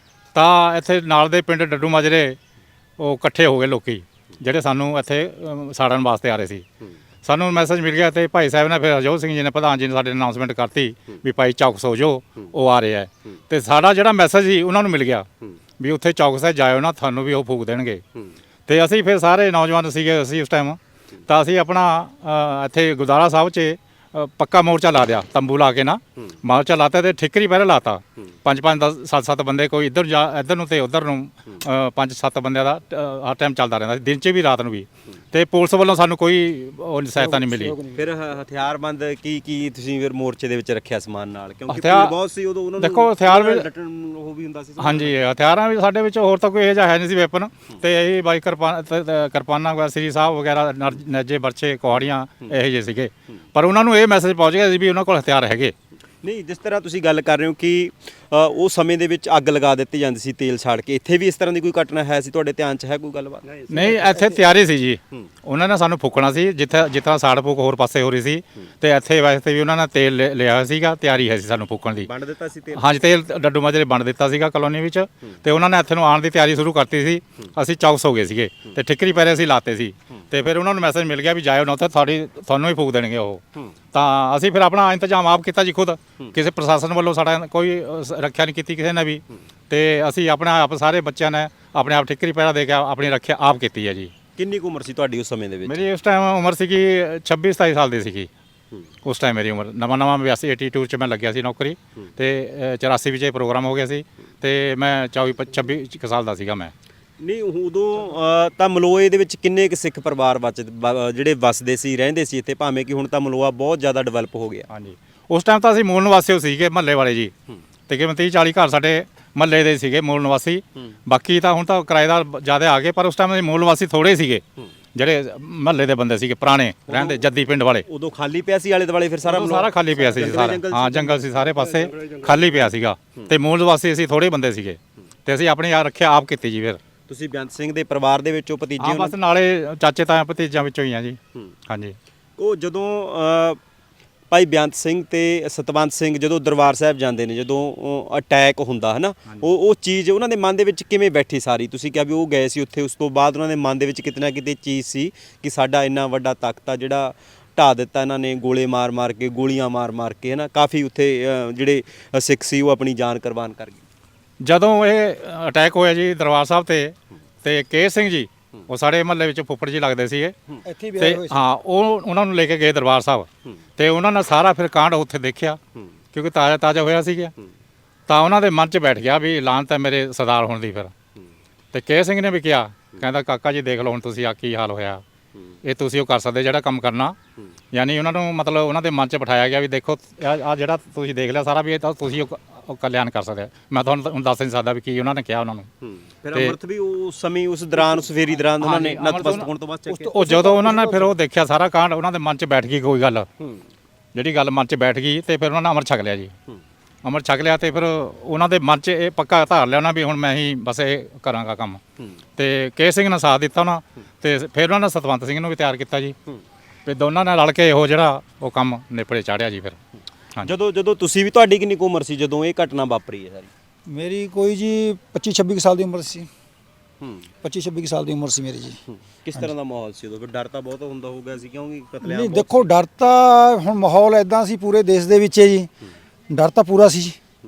A: ਤਾਂ ਇੱਥੇ ਨਾਲ ਦੇ ਪਿੰਡ ਡੱਡੂ ਮਾਜਰੇ ਉਹ ਇਕੱਠੇ ਹੋ ਗਏ ਲੋਕੀ ਜਿਹੜੇ ਸਾਨੂੰ ਇੱਥੇ ਅਮ, ਸਾੜਨ ਵਾਸਤੇ ਆ ਰਹੇ ਸੀ। ਸਾਨੂੰ ਮੈਸੇਜ ਮਿਲ ਗਿਆ ਤੇ ਭਾਈ ਸਾਹਿਬ ਨੇ ਫਿਰ ਹਰਜੋਤ ਸਿੰਘ ਜੀ ਨੇ ਪ੍ਰਧਾਨ ਜੀ ਨੇ ਸਾਡੇ ਅਨਾਉਂਸਮੈਂਟ ਕਰਤੀ ਵੀ ਭਾਈ ਚੌਕਸ ਹੋ ਜਾਓ, ਉਹ ਆ ਰਿਹਾ। ਤੇ ਸਾਡਾ ਜਿਹੜਾ ਮੈਸੇਜ ਸੀ ਉਹਨਾਂ ਨੂੰ ਮਿਲ ਗਿਆ ਵੀ ਉੱਥੇ ਚੌਕਸ ਹੈ, ਜਾਇਓ ਨਾ, ਤੁਹਾਨੂੰ ਵੀ ਉਹ ਫੂਕ ਦੇਣਗੇ। ਤੇ ਅਸੀਂ ਫਿਰ ਸਾਰੇ ਨੌਜਵਾਨ ਸੀਗੇ ਅਸੀਂ ਉਸ ਟਾਈਮ, ਤਾਂ ਅਸੀਂ ਆਪਣਾ ਅ, ਇੱਥੇ ਗੁਰਦੁਆਰਾ ਸਾਹਿਬ 'ਚ ਅ, ਪੱਕਾ ਮੋਰਚਾ ਲਾ ਦਿਆ, ਤੰਬੂ ਲਾ ਕੇ ਨਾ ਮੋਰਚਾ ਲਾਤਾ ਤੇ ਠਿਕਰੀ ਪਹਿਲਾਂ ਲਾਤਾ। ਪੰਜ ਪੰਜ ਦਸ ਸੱਤ ਸੱਤ ਬੰਦੇ ਕੋਈ ਇੱਧਰ ਜਾ ਇੱਧਰ ਨੂੰ ਤੇ ਉੱਧਰ ਨੂੰ ਅ, ਪੰਜ ਸੱਤ ਬੰਦਿਆਂ ਦਾ ਅ, ਹਰ ਟਾਈਮ ਚੱਲਦਾ ਰਹਿੰਦਾ ਸੀ, ਦਿਨ 'ਚ ਵੀ ਰਾਤ ਨੂੰ ਵੀ। ਤੇ ਪੁਲਿਸ ਵੱਲੋਂ ਸਾਨੂੰ ਕੋਈ ਉਹ ਸਹਾਇਤਾ ਨਹੀਂ ਮਿਲੀ।
C: ਫਿਰ ਹ- ਹਥਿਆਰਬੰਦ ਕੀ ਕੀ ਤੁਸੀਂ ਫਿਰ ਮੋਰਚੇ ਦੇ ਵਿੱਚ ਰੱਖਿਆ ਸਮਾਨ ਨਾਲ? ਕਿਉਂਕਿ
A: ਹਥਿਆਰ-
C: ਭੀੜ ਬਹੁਤ ਸੀ ਉਦੋਂ, ਉਹਨਾਂ ਨੂੰ
A: ਦੇਖੋ ਹਥਿਆਰ ਵੀ-
C: ਡਟਣ ਉਹ ਵੀ ਹੁੰਦਾ ਸੀ।
A: ਹਾਂਜੀ, ਹਥਿਆਰਾਂ ਵੀ ਸਾਡੇ ਵਿੱਚ ਹੋਰ ਤਾਂ ਕੋਈ ਇਹੋ ਜਿਹਾ ਹੈ ਨਹੀਂ ਸੀ ਵੈਪਨ, ਤੇ ਇਹ ਬਾਈ ਕਿਰਪਾਨ ਕਿਰਪਾਨਾਂ ਵਗੈਰਾ ਸ੍ਰੀ ਸਾਹਿਬ ਵਗੈਰਾ ਨਰ- ਨੇਜੇ ਬਰਛੇ ਕੁਹਾੜੀਆਂ ਇਹੋ ਜਿਹੇ ਸੀਗੇ। ਪਰ ਉਹਨਾਂ ਨੂੰ ਇਹ ਮੈਸੇਜ ਪਹੁੰਚ ਗਿਆ ਸੀ ਵੀ ਉਹਨਾਂ ਕੋਲ ਹਥਿਆਰ ਹੈਗੇ।
C: ਨਹੀਂ, ਜਿਸ ਤਰ੍ਹਾਂ ਤੁਸੀਂ ਗੱਲ ਕਰ ਰਹੇ ਹੋ ਕਿ ਅ, ਉਹ ਸਮੇਂ ਦੇ ਵਿੱਚ ਅੱਗ ਲਗਾ ਦਿੱਤੀ ਜਾਂਦੀ ਸੀ ਤੇਲ ਛਾੜ ਕੇ, ਇੱਥੇ ਵੀ ਇਸ ਤਰ੍ਹਾਂ ਦੀ ਕੋਈ ਘਟਨਾ ਹੈ ਸੀ ਤੁਹਾਡੇ ਧਿਆਨ 'ਚ? ਹੈ ਕੋਈ ਗੱਲਬਾਤ?
A: ਨਹੀਂ, ਇੱਥੇ ਤਿਆਰੀ ਸੀ ਜੀ, ਉਹਨਾਂ ਨੇ ਸਾਨੂੰ ਫੂਕਣਾ ਸੀ ਜਿੱਥੇ ਜਿੱਥਾਂ ਸਾੜ ਫੂਕ ਹੋਰ ਪਾਸੇ ਹੋ ਰਹੀ ਸੀ, ਤੇ ਇੱਥੇ ਵਾਸਤੇ ਵੀ ਉਹਨਾਂ ਨੇ ਤੇਲ ਲਿ- ਲਿਆ ਹੋਇਆ ਸੀਗਾ, ਤਿਆਰੀ ਹੈ ਸੀ ਸਾਨੂੰ ਫੂਕਣ ਦੀ।
C: ਵੰਡ ਦਿੱਤਾ ਸੀ ਤੇਲ?
A: ਹਾਂਜੀ, ਤੇਲ ਡੱਡੂ ਮਾਜਰੇ ਵੰਡ ਦਿੱਤਾ ਸੀਗਾ ਕਲੋਨੀ ਵਿੱਚ, ਤੇ ਉਹਨਾਂ ਨੇ ਇੱਥੇ ਨੂੰ ਆਉਣ ਦੀ ਤਿਆਰੀ ਸ਼ੁਰੂ ਕਰਤੀ ਸੀ। ਅਸੀਂ ਚੌਕਸ ਹੋ ਗਏ ਸੀਗੇ ਤੇ ਠਿਕਰੀ ਪੈਰੇ ਅਸੀਂ ਲਾਤੇ ਸੀ, ਤੇ ਫਿਰ ਉਹਨਾਂ ਨੂੰ ਮੈਸੇਜ ਮਿਲ ਗਿਆ ਵੀ ਜਾਇਓ ਨਾ, ਉੱਥੇ ਤੁਹਾਡੀ ਤੁਹਾਨੂੰ ਹੀ ਫੂਕ ਦੇਣਗੇ ਉਹ। ਤਾਂ ਅਸੀਂ ਫਿਰ ਆਪਣਾ ਇੰਤਜ਼ਾਮ ਆਪ ਕੀਤਾ ਜੀ ਖੁਦ, ਕਿਸੇ ਪ੍ਰਸ਼ਾਸਨ ਵੱਲੋਂ ਸਾਡਾ ਕੋਈ ਅ, ਸ- ਰੱਖਿਆ ਨਹੀਂ ਕੀਤੀ ਕਿਸੇ ਨੇ ਵੀ, ਤੇ ਅਸੀਂ ਆਪਣਾ ਆਪ ਸਾਰੇ ਬੱਚਿਆਂ ਨੇ ਆਪਣੇ ਆਪ ਠਿਕਰੀ ਪੈਰਾ ਦੇ ਕੇ ਆਪਣੀ ਰੱਖਿਆ ਆਪ ਕੀਤੀ ਹੈ ਜੀ।
C: ਕਿੰਨੀ ਕੁ ਉਮਰ ਸੀ ਤੁਹਾਡੀ ਉਸ ਸਮੇਂ ਦੇ ਵਿੱਚ?
A: ਮੇਰੀ ਉਸ ਟਾਈਮ ਉਮਰ ਸੀਗੀ ਛੱਬੀ ਸਤਾਈ ਸਾਲ ਦੀ ਸੀਗੀ ਉਸ ਟਾਈਮ ਮੇਰੀ ਉਮਰ। ਨਵਾਂ ਨਵਾਂ ਬਿਆਸੀ ਬयासी 'ਚ ਮੈਂ ਲੱਗਿਆ ਸੀ ਨੌਕਰੀ, ਤੇ ਅ, ਚੁਰਾਸੀ ਵਿੱਚ ਇਹ ਪ੍ਰੋਗਰਾਮ ਹੋ ਗਿਆ ਸੀ, ਤੇ ਮੈਂ ਚੌਵੀ ਪ- ਛੱਬੀ ਕੁ ਸਾਲ ਦਾ ਸੀਗਾ ਮੈਂ।
C: ਨਹੀਂ, ਉਦੋਂ ਅ, ਤਾਂ ਮਲੋਏ ਦੇ ਵਿੱਚ ਕਿੰਨੇ ਕੁ ਸਿੱਖ ਪਰਿਵਾਰ ਬਚ ਬ- ਜਿਹੜੇ ਵਸਦੇ ਸੀ, ਰਹਿੰਦੇ ਸੀ ਇੱਥੇ, ਭਾਵੇਂ ਕਿ ਹੁਣ ਤਾਂ ਮਲੋਆ ਬਹੁਤ ਜ਼ਿਆਦਾ ਡਿਵੈਲਪ ਹੋ ਗਿਆ।
A: ਹਾਂਜੀ, ਉਸ ਟਾਈਮ ਤਾਂ ਅਸੀਂ ਮੂਲ ਨਿਵਾਸੀ ਸੀਗੇ ਮਹੱਲੇ ਵਾਲੇ ਜੀ, ਤਕਰੀਬਨ ਤੀਹ ਚਾਲੀ ਘਰ ਸਾਡੇ ਮਹੱਲੇ ਦੇ ਸੀਗੇ ਮੂਲ ਨਿਵਾਸੀ। ਬਾਕੀ ਤਾਂ ਹੁਣ ਤਾਂ ਕਿਰਾਏਦਾਰ ਜ਼ਿਆਦਾ ਆ ਗਏ, ਪਰ ਉਸ ਟਾਈਮ ਦੇ ਮੂਲ ਨਿਵਾਸੀ ਥੋੜੇ ਸੀਗੇ ਜਿਹੜੇ ਮਹੱਲੇ ਦੇ ਬੰਦੇ ਸੀਗੇ ਪੁਰਾਣੇ ਰਹਿੰਦੇ ਜੱਦੀ ਪਿੰਡ ਵਾਲੇ।
C: ਉਦੋਂ ਖਾਲੀ ਪਿਆ ਸੀ ਆਲੇ ਦੁਆਲੇ? ਫਿਰ ਸਾਰਾ
A: ਉਦੋਂ ਸਾਰਾ ਖਾਲੀ ਪਿਆ ਸੀ ਜੀ, ਸਾਰਾ ਹਾਂ ਜੰਗਲ ਸੀ, ਸਾਰੇ ਪਾਸੇ ਖਾਲੀ ਪਿਆ ਸੀਗਾ, ਤੇ ਮੂਲ ਨਿਵਾਸੀ ਅਸੀਂ ਥੋੜੇ ਬੰਦੇ ਸੀਗੇ, ਤੇ ਅਸੀਂ ਆਪਣੀ ਆ ਰੱਖਿਆ ਆਪ ਕੀਤੀ ਜੀ। ਫਿਰ
C: ਤੁਸੀਂ ਬੇਅੰਤ ਸਿੰਘ ਦੇ ਪਰਿਵਾਰ ਦੇ ਵਿੱਚੋਂ ਭਤੀਜੇ
A: ਹਾਂ,
C: ਹੋ?
A: ਬਸ ਨਾਲੇ ਚਾਚੇ ਤਾਇਆ ਭਤੀਜਿਆਂ ਵਿੱਚੋਂ ਹੀ ਆ ਜੀ। ਹਾਂਜੀ,
C: ਉਹ ਜਦੋਂ ਅ, ਭਾਈ ਬੇਅੰਤ ਸਿੰਘ ਤੇ ਸਤਵੰਤ ਸਿੰਘ ਜਦੋਂ ਦਰਬਾਰ ਸਾਹਿਬ ਜਾਂਦੇ ਨੇ, ਜਦੋਂ ਅਟੈਕ ਹੁੰਦਾ ਹੈ ਨਾ, ਉਹ ਉਹ ਚੀਜ਼ ਉਹਨਾਂ ਦੇ ਮਨ ਦੇ ਵਿੱਚ ਕਿਵੇਂ ਬੈਠੀ ਸਾਰੀ? ਤੁਸੀਂ ਕਿਹਾ ਵੀ ਉਹ ਗਏ ਸੀ ਉੱਥੇ, ਉਸ ਤੋਂ ਬਾਅਦ ਉਹਨਾਂ ਦੇ ਮਨ ਦੇ ਵਿੱਚ ਕਿਤੇ ਨਾ ਕਿਤੇ ਚੀਜ਼ ਸੀ ਕਿ ਸਾਡਾ ਇੰਨਾ ਵੱਡਾ ਤਖਤ ਆ ਜਿਹੜਾ ਢਾਹ ਦਿੱਤਾ ਇਹਨਾਂ ਨੇ, ਗੋਲੇ ਮਾਰ ਮਾਰ ਕੇ, ਗੋਲੀਆਂ ਮਾਰ ਮਾਰ ਕੇ, ਹੈ ਨਾ, ਕਾਫੀ ਉੱਥੇ ਅ, ਜਿਹੜੇ ਸਿੱਖ ਸੀ ਉਹ ਆਪਣੀ ਜਾਨ ਕੁਰਬਾਨ ਕਰ ਗਏ।
A: ਜਦੋਂ ਇਹ ਅਟੈਕ ਹੋਇਆ ਜੀ ਦਰਬਾਰ ਸਾਹਿਬ ਤੇ ਤੇ ਕੇ ਸਿੰਘ ਜੀ ਉਹ ਸਾਡੇ ਮਹੱਲੇ ਵਿੱਚ ਫੁੱਫੜ ਜੀ ਲੱਗਦੇ ਸੀਗੇ,
D: ਇੱਥੇ ਵੀ
A: ਤੇ
D: ਆਏ ਹੋਏ ਸੀ।
A: ਹਾਂ ਉਹ ਉਹਨਾਂ ਨੂੰ ਲੈ ਕੇ ਗਏ ਦਰਬਾਰ ਸਾਹਿਬ, ਤੇ ਉਹਨਾਂ ਨੇ ਸਾਰਾ ਫਿਰ ਕਾਂਡ ਉੱਥੇ ਦੇਖਿਆ ਕਿਉਂਕਿ ਤਾਜ਼ਾ ਤਾਜ਼ਾ ਹੋਇਆ ਸੀਗਾ, ਤਾਂ ਉਹਨਾਂ ਦੇ ਮਨ 'ਚ ਬੈਠ ਗਿਆ ਵੀ ਲਾਹਨਤ ਹੈ ਮੇਰੇ ਸਰਦਾਰ ਹੋਣ ਦੀ। ਫਿਰ ਤੇ ਕੇ ਸਿੰਘ ਨੇ ਵੀ ਕਿਹਾ, ਕਹਿੰਦਾ ਕਾਕਾ ਜੀ ਦੇਖ ਲਓ ਹੁਣ ਤੁਸੀਂ ਆ ਕੀ ਹਾਲ ਹੋਇਆ, ਇਹ ਤੁਸੀਂ ਉਹ ਕਰ ਸਕਦੇ ਜਿਹੜਾ ਕੰਮ ਕਰਨਾ। ਯਾਨੀ ਉਹਨਾਂ ਨੂੰ ਮਤਲਬ ਉਹਨਾਂ ਦੇ ਮਨ 'ਚ ਬਿਠਾਇਆ ਗਿਆ ਵੀ ਦੇਖੋ ਆ ਜਿਹੜਾ ਤੁਸੀਂ ਦੇਖ ਲਿਆ ਸਾਰਾ ਵੀ ਇਹ ਤਾਂ ਤੁਸੀਂ ਉਹ ਉਹ ਕਲਿਆਣ ਕਰ ਸਕਦੇ। ਮੈਂ ਤੁਹਾਨੂੰ ਹੁਣ ਦੱਸ ਨਹੀਂ ਸਕਦਾ ਵੀ ਕੀ ਉਹਨਾਂ ਨੇ ਕਿਹਾ ਉਹਨਾਂ ਨੂੰ।
C: ਫਿਰ ਅੰਮ੍ਰਿਤ ਵੀ ਉਸ ਸਮੇਂ ਉਸ ਦੌਰਾਨ ਉਸ ਫੇਰੀ ਦੌਰਾਨ ਉਹਨਾਂ ਨੇ ਨਤਮਸਤਕ ਹੋਣ ਤੋਂ ਬਾਅਦ ਚੱਕਿਆ?
A: ਉਹ ਜਦੋਂ ਉਹਨਾਂ ਨੇ ਫਿਰ ਉਹ ਦੇਖਿਆ ਸਾਰਾ ਕਾਂਡ, ਉਹਨਾਂ ਦੇ ਮਨ 'ਚ ਬੈਠ ਗਈ ਕੋਈ ਗੱਲ, ਜਿਹੜੀ ਗੱਲ ਮਨ 'ਚ ਬੈਠ ਗਈ, ਤੇ ਫਿਰ ਉਹਨਾਂ ਨੇ ਅਮਰ ਛਕ ਲਿਆ ਜੀ। ਅਮਰ ਛਕ ਲਿਆ ਤੇ ਫਿਰ ਉਹਨਾਂ ਦੇ ਮਨ 'ਚ ਇਹ ਪੱਕਾ ਧਾਰ ਲਿਆ ਉਹਨਾਂ ਵੀ ਹੁਣ ਮੈਂ ਹੀ ਬਸ ਇਹ ਕਰਾਂਗਾ ਕੰਮ। ਤੇ ਕੇ ਸਿੰਘ ਨੇ ਸਾਥ ਦਿੱਤਾ ਉਹਨਾਂ, ਤੇ ਫਿਰ ਉਹਨਾਂ ਨੇ ਸਤਵੰਤ ਸਿੰਘ ਨੂੰ ਵੀ ਤਿਆਰ ਕੀਤਾ ਜੀ, ਤੇ ਦੋਨਾਂ ਨੇ ਰਲ ਕੇ ਉਹ ਜਿਹੜਾ ਉਹ ਕੰਮ ਨਿਪੜੇ ਚਾੜਿਆ ਜੀ। ਫਿਰ
C: ਜਦੋਂ ਜਦੋਂ ਤੁਸੀਂ ਵੀ, ਤੁਹਾਡੀ ਕਿੰਨੀ ਕੁ ਉਮਰ ਸੀ ਜਦੋਂ ਇਹ ਘਟਨਾ ਵਾਪਰੀ ਹੈ ਸਾਰੀ?
D: ਮੇਰੀ ਕੋਈ ਜੀ ਪੱਚੀ ਛੱਬੀ ਕੁ ਸਾਲ ਦੀ ਉਮਰ ਸੀ।
C: ਹੂੰ,
D: ਪੱਚੀ ਛੱਬੀ ਕੁ ਸਾਲ ਦੀ ਉਮਰ ਸੀ ਮੇਰੀ ਜੀ।
C: ਕਿਸ ਤਰ੍ਹਾਂ ਦਾ ਮਾਹੌਲ ਸੀ ਉਦੋਂ? ਫਿਰ ਡਰ ਤਾਂ ਬਹੁਤ ਹੁੰਦਾ ਹੋ ਗਿਆ ਸੀ ਕਿਉਂਕਿ ਕਤਲੇਆਮ
D: ਨਹੀਂ
C: ਬਹੁਤ
D: ਦੇਖੋ, ਡਰ ਤਾਂ ਹੁਣ ਮਾਹੌਲ ਐਦਾਂ ਸੀ ਪੂਰੇ ਦੇਸ਼ ਦੇ ਵਿੱਚ ਜੀ, ਡਰ ਤਾਂ ਪੂਰਾ ਸੀ ਜੀ।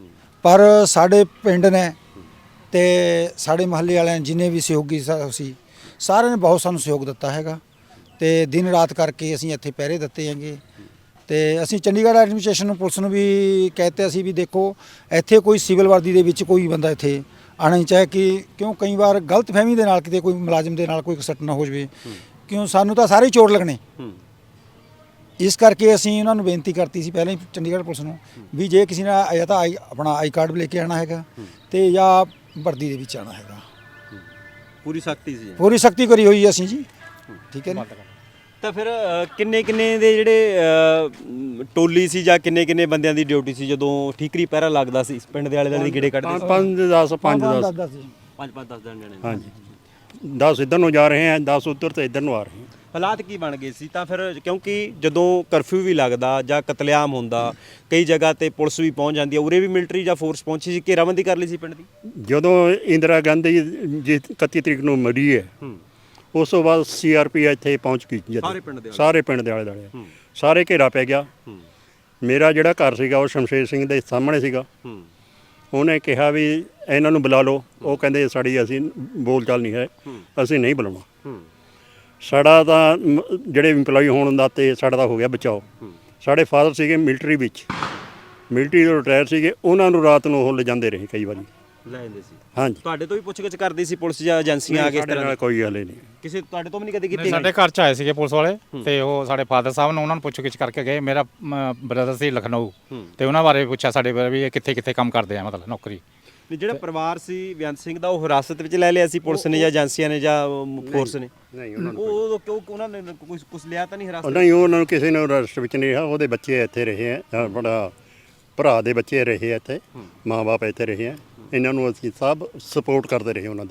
D: ਪਰ ਸਾਡੇ ਪਿੰਡ ਨੇ ਤੇ ਸਾਡੇ ਮਹੱਲੇ ਵਾਲਿਆਂ ਨੇ ਜਿੰਨੇ ਵੀ ਸਹਿਯੋਗੀ ਸਾ- ਸੀ ਸਾਰਿਆਂ ਨੇ ਬਹੁਤ ਸਾਨੂੰ ਸਹਿਯੋਗ ਦਿੱਤਾ ਹੈਗਾ, ਤੇ ਦਿਨ ਰਾਤ ਕਰਕੇ ਅਸੀਂ ਇੱਥੇ ਪਹਿਰੇ ਦਿੱਤੇ ਹੈਗੇ। ਤੇ ਅਸੀਂ ਚੰਡੀਗੜ੍ਹ ਐਡਮਿਨਿਸਟ੍ਰੇਸ਼ਨ ਨੂੰ, ਪੁਲਿਸ ਨੂੰ ਵੀ ਕਹਤੇ ਅਸੀਂ ਵੀ ਦੇਖੋ ਇੱਥੇ ਕੋਈ ਸਿਵਲ ਵਰਦੀ ਦੇ ਵਿੱਚ ਕੋਈ ਬੰਦਾ ਇੱਥੇ ਆਉਣਾ ਹੀ ਚਾਹੇ ਕਿ ਕਿਉਂ ਕਈ ਵਾਰ ਗਲਤ ਫਹਿਮੀ ਦੇ ਨਾਲ ਕਿਤੇ ਕੋਈ ਮੁਲਾਜ਼ਮ ਦੇ ਨਾਲ ਕੋਈ ਸੱਟ ਨਾ ਹੋ ਜਾਵੇ, ਕਿਉਂ ਸਾਨੂੰ ਤਾਂ ਸਾਰੇ ਹੀ ਚੋਟ ਲੱਗਣੇ। ਇਸ ਕਰਕੇ ਅਸੀਂ ਉਹਨਾਂ ਨੂੰ ਬੇਨਤੀ ਕਰਤੀ ਸੀ ਪਹਿਲਾਂ ਹੀ ਚੰਡੀਗੜ੍ਹ ਪੁਲਿਸ ਨੂੰ ਵੀ ਜੇ ਕਿਸੇ ਨੇ ਜਾਂ ਤਾਂ ਆਈ ਆਪਣਾ ਆਈ ਕਾਰਡ ਵੀ ਲੈ ਕੇ ਆਉਣਾ ਹੈਗਾ ਤੇ ਜਾਂ ਵਰਦੀ ਦੇ ਵਿੱਚ ਆਉਣਾ ਹੈਗਾ।
C: ਪੂਰੀ ਸਖਤੀ ਸੀ।
D: ਪੂਰੀ ਸਖਤੀ ਕਰੀ ਹੋਈ ਹੈ ਅਸੀਂ ਜੀ, ਠੀਕ ਹੈ ਜੀ।
C: ਤਾਂ ਫਿਰ ਕਿੰਨੇ ਕਿੰਨੇ ਦੇ ਜਿਹੜੇ ਅ, ਟੋਲੀ ਸੀ ਜਾਂ ਕਿੰਨੇ ਕਿੰਨੇ ਬੰਦਿਆਂ ਦੀ ਡਿਊਟੀ ਸੀ ਜਦੋਂ ਠੀਕਰੀ ਪਹਿਰਾ ਲੱਗਦਾ ਸੀ ਪਿੰਡ ਦੇ ਆਲੇ ਦੁਆਲੇ ਦੀ ਗੇੜੇ ਕੱਢਦੇ ਸੀ?
B: ਪੰਜ ਦਸ ਪੰਜ ਦਸ
C: ਪੰਜ ਪੰਜ ਦਸ ਦਿਨ ਜਣੇ।
B: ਹਾਂਜੀ ਦਸ ਇੱਧਰ ਨੂੰ ਜਾ ਰਹੇ ਹੈ, ਦਸ ਉੱਧਰ ਤੇ ਇੱਧਰ ਨੂੰ ਆ ਰਹੇ ਹੈ।
C: ਹਾਲਾਤ ਕੀ ਬਣ ਗਏ ਸੀ ਤਾਂ ਫਿਰ? ਕਿਉਂਕਿ ਜਦੋਂ ਕਰਫਿਊ ਵੀ ਲੱਗਦਾ ਜਾਂ ਕਤਲੇਆਮ ਹੁੰਦਾ, ਕਈ ਜਗ੍ਹਾ ਤੇ ਪੁਲਿਸ ਵੀ ਪਹੁੰਚ ਜਾਂਦੀ ਹੈ, ਉਰੇ ਵੀ ਮਿਲਟਰੀ ਜਾਂ ਫੋਰਸ ਪਹੁੰਚੀ ਸੀ, ਘੇਰਾਬੰਦੀ ਕਰ ਲਈ ਸੀ ਪਿੰਡ ਦੀ।
B: ਜਦੋਂ ਇੰਦਰਾ ਗਾਂਧੀ ਜੀ ਇਕੱਤੀ ਤਰੀਕ ਨੂੰ ਮਰੀ ਹੈ, ਉਸ ਤੋਂ ਬਾਅਦ ਸੀ ਆਰ ਪੀ ਇੱਥੇ ਪਹੁੰਚ ਗਈ ਜਦੋਂ
C: ਸਾਰੇ ਪਿੰਡ ਦੇ
B: ਸਾਰੇ ਪਿੰਡ ਦੇ ਆਲੇ ਦੁਆਲੇ ਸਾਰੇ ਘੇਰਾ ਪੈ ਗਿਆ। ਮੇਰਾ ਜਿਹੜਾ ਘਰ ਸੀਗਾ ਉਹ ਸ਼ਮਸ਼ੇਰ ਸਿੰਘ ਦੇ ਸਾਹਮਣੇ ਸੀਗਾ। ਉਹਨੇ ਕਿਹਾ ਵੀ ਇਹਨਾਂ ਨੂੰ ਬੁਲਾ ਲਓ, ਉਹ ਕਹਿੰਦੇ ਸਾਡੀ ਅਸੀਂ ਬੋਲ ਚਾਲ ਨਹੀਂ ਹੈ, ਅਸੀਂ ਨਹੀਂ ਬੁਲਾਉਣਾ। ਸਾਡਾ ਤਾਂ ਮ- ਜਿਹੜੇ ਇੰਪਲਾਈ ਹੋਣ ਦਾ ਤੇ ਸਾਡਾ ਤਾਂ ਹੋ ਗਿਆ ਬਚਾਓ। ਸਾਡੇ ਫਾਦਰ ਸੀਗੇ ਮਿਲਟਰੀ ਵਿੱਚ, ਮਿਲਟਰੀ ਤੋਂ ਰਿਟਾਇਰ ਸੀਗੇ, ਉਹਨਾਂ ਨੂੰ ਰਾਤ ਨੂੰ ਉਹ ਲਿਜਾਂਦੇ ਰਹੇ ਕਈ ਵਾਰੀ।
C: ਲੈ ਜਾਂਦੇ ਸੀ।
B: ਹਾਂਜੀ
C: ਤੁਹਾਡੇ ਤੋਂ ਵੀ ਪੁੱਛਗਿੱਛ ਕਰਦੀ ਸੀ ਪੁਲਿਸ ਜਾਂ ਏਜੰਸੀਆਂ ਆ ਕੇ ਇਸ
B: ਸਾਡੇ
C: ਤਰ੍ਹਾਂ
B: ਨਾਲ
C: ਦੀ?
B: ਕੋਈ ਹਲੇ ਨਹੀਂ।
C: ਕਿਸੇ ਤੁਹਾਡੇ ਤੋਂ ਵੀ ਨਹੀਂ ਕਦੇ ਕੀਤੀ?
A: ਸਾਡੇ ਘਰ ਚ ਆਏ ਸੀਗੇ ਪੁਲਿਸ ਵਾਲੇ ਤੇ ਉਹ ਸਾਡੇ ਫਾਦਰ ਸਾਹਿਬ ਨੂੰ ਉਹਨਾਂ ਨੂੰ ਪੁੱਛ ਗਿੱਛ ਕਰਕੇ ਗਏ। ਮੇਰਾ ਬ੍ਰਦਰ ਸੀ ਲਖਨਊ ਤੇ ਉਹਨਾਂ ਬਾਰੇ ਪੁੱਛਿਆ ਸਾਡੇ ਬਾਰੇ ਵੀ ਇਹ ਕਿੱਥੇ ਕਿੱਥੇ ਕੰਮ ਕਰਦੇ ਆ, ਮਤਲਬ ਨੌਕਰੀ।
C: ਨਹੀਂ, ਜਿਹੜਾ ਪਰਿਵਾਰ ਸੀ ਬੇਅੰਤ ਸਿੰਘ ਦਾ ਉਹ ਹਿਰਾਸਤ ਵਿੱਚ ਲੈ ਲਿਆ ਸੀ ਪੁਲਿਸ ਨੇ ਜਾਂ ਏਜੰਸੀਆਂ ਨੇ ਜਾਂ ਫੋਰਸ ਨੇ?
B: ਨਹੀਂ ਉਹਨਾਂ ਨੂੰ
C: ਉਹ ਉਹ ਕਿਉਂ ਉਹਨਾਂ ਨੇ ਕੁਝ ਕੁਝ ਲਿਆ ਤਾਂ ਨਹੀਂ ਹਿਰਾਸਤ?
B: ਨਹੀਂ ਉਹਨਾਂ ਨੂੰ ਕਿਸੇ ਨੇ ਰਸਟ ਵਿੱਚ ਨਹੀਂ ਰਿਹਾ। ਉਹਦੇ ਬੱਚੇ ਇੱਥੇ ਰਹੇ ਆ, ਬੜਾ ਭਰਾ ਦੇ ਬੱਚੇ ਰਹੇ ਆ ਇੱਥੇ, ਮਾਂ-ਬਾਪ ਇੱਥੇ ਰਹੇ ਆ। ਇਹਨਾਂ ਨੂੰ ਅਸੀਂ ਸਭ ਸਪੋਰਟ ਕਰਦੇ ਰਹੇ ਉਹਨਾਂ ਦੀ।